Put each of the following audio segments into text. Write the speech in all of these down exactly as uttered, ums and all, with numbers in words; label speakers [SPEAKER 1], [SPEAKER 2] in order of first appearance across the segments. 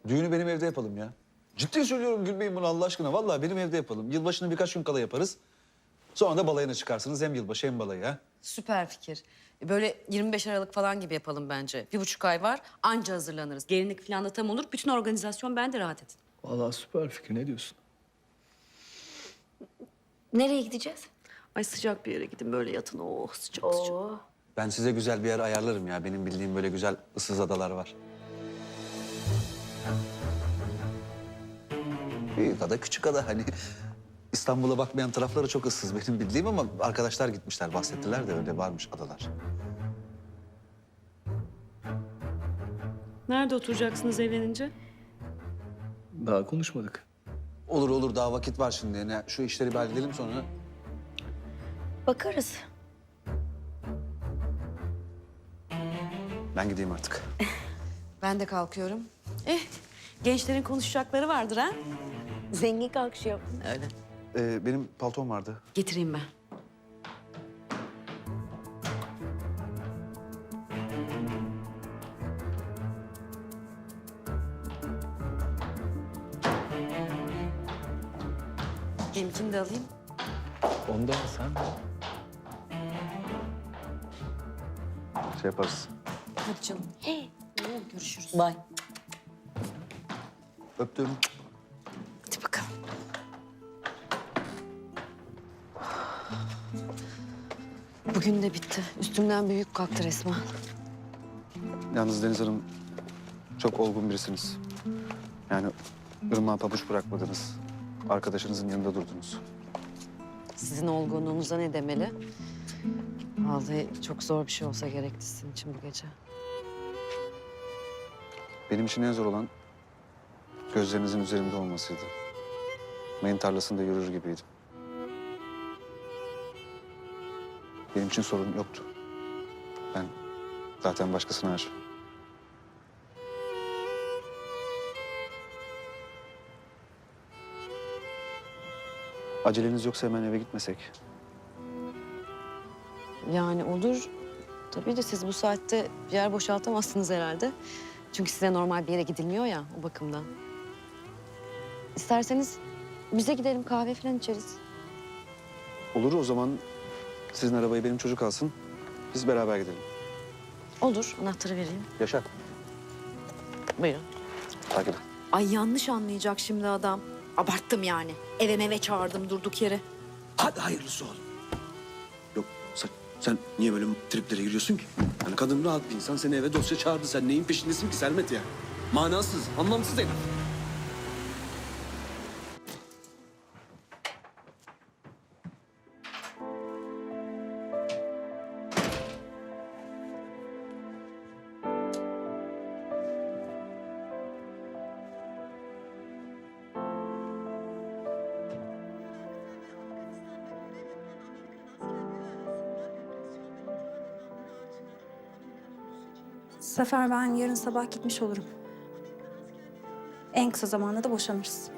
[SPEAKER 1] Düğünü benim evde yapalım ya. Ciddi söylüyorum, gülmeyin bunu Allah aşkına. Vallahi benim evde yapalım. Yılbaşını birkaç gün kala yaparız. Sonra da balayına çıkarsınız. Hem yılbaşı hem balayı ha.
[SPEAKER 2] Süper fikir. Böyle yirmi beş Aralık falan gibi yapalım bence. Bir buçuk ay var, anca hazırlanırız. Gelinlik falan da tam olur. Bütün organizasyon bende, rahat edin.
[SPEAKER 3] Vallahi süper fikir. Ne diyorsun?
[SPEAKER 4] Nereye gideceğiz?
[SPEAKER 2] Ay sıcak bir yere gidin, böyle yatın. Oh sıcak sıcak.
[SPEAKER 4] Oo.
[SPEAKER 1] Ben size güzel bir yer ayarlarım ya. Benim bildiğim böyle güzel ıssız adalar var. Büyük ada, küçük ada hani. İstanbul'a bakmayan tarafları çok ıssız benim bildiğim ama arkadaşlar gitmişler, bahsettiler de öyle varmış adalar.
[SPEAKER 2] Nerede oturacaksınız evlenince?
[SPEAKER 3] Daha konuşmadık.
[SPEAKER 1] Olur olur, daha vakit var şimdi. Yani şu işleri bir halledelim sonra.
[SPEAKER 4] Bakarız.
[SPEAKER 1] Ben gideyim artık.
[SPEAKER 2] Ben de kalkıyorum. Eh, gençlerin konuşacakları vardır ha?
[SPEAKER 4] Zengin kalkışıyor.
[SPEAKER 2] Öyle.
[SPEAKER 1] Ee, benim paltom vardı.
[SPEAKER 2] Getireyim ben. Benimkini de alayım.
[SPEAKER 3] Ondan sen
[SPEAKER 1] Şey yaparız.
[SPEAKER 2] Hadi canım.
[SPEAKER 4] Hey.
[SPEAKER 2] Görüşürüz.
[SPEAKER 4] Bay.
[SPEAKER 1] Öptüm.
[SPEAKER 2] Hadi bakalım. Bugün de bitti. Üstümden bir yük kalktı resmen.
[SPEAKER 1] Yalnız Deniz Hanım çok olgun birisiniz. Yani ırmağa pabuç bırakmadınız. Arkadaşınızın yanında durdunuz.
[SPEAKER 2] Sizin olgunluğunuza ne demeli? Vallahi çok zor bir şey olsa gerekti sizin için bu gece.
[SPEAKER 1] Benim için en zor olan gözlerinizin üzerimde olmasıydı. Mayın tarlasında yürür gibiydim. Benim için sorun yoktu. Ben zaten başkasına aşığım. Aceleniz yoksa hemen eve gitmesek.
[SPEAKER 2] Yani olur. Tabii de siz bu saatte bir yer boşaltamazsınız herhalde. Çünkü size normal bir yere gidilmiyor ya, o bakımdan. İsterseniz bize gidelim, kahve falan içeriz.
[SPEAKER 1] Olur, o zaman sizin arabayı benim çocuk alsın. Biz beraber gidelim.
[SPEAKER 2] Olur, anahtarı vereyim.
[SPEAKER 1] Yaşar,
[SPEAKER 2] Buyurun.
[SPEAKER 1] takip et.
[SPEAKER 2] Ay yanlış anlayacak şimdi adam. Abarttım yani. Eve meve çağırdım durduk yere.
[SPEAKER 5] Hadi hayırlısı oğlum. Yok sen, sen niye böyle triplere giriyorsun ki? Yani kadın rahat bir insan, seni eve dosya çağırdı. Sen neyin peşindesin ki Sermet ya? Manasız, anlamsız herif.
[SPEAKER 6] Sefer, ben yarın sabah gitmiş olurum. En kısa zamanda da boşanırız.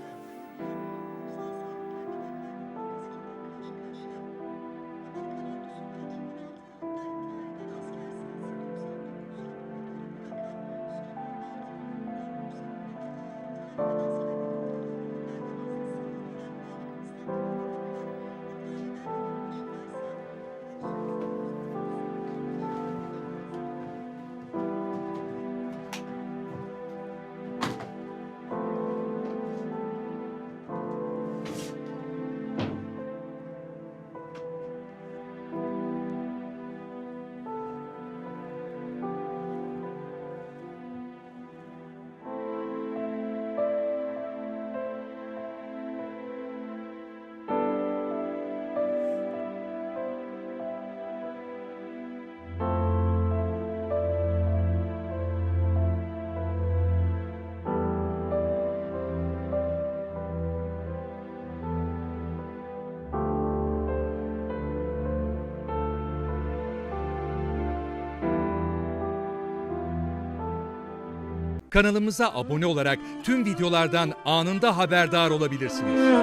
[SPEAKER 7] Kanalımıza abone olarak tüm videolardan anında haberdar olabilirsiniz.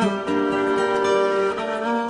[SPEAKER 4] Tamam.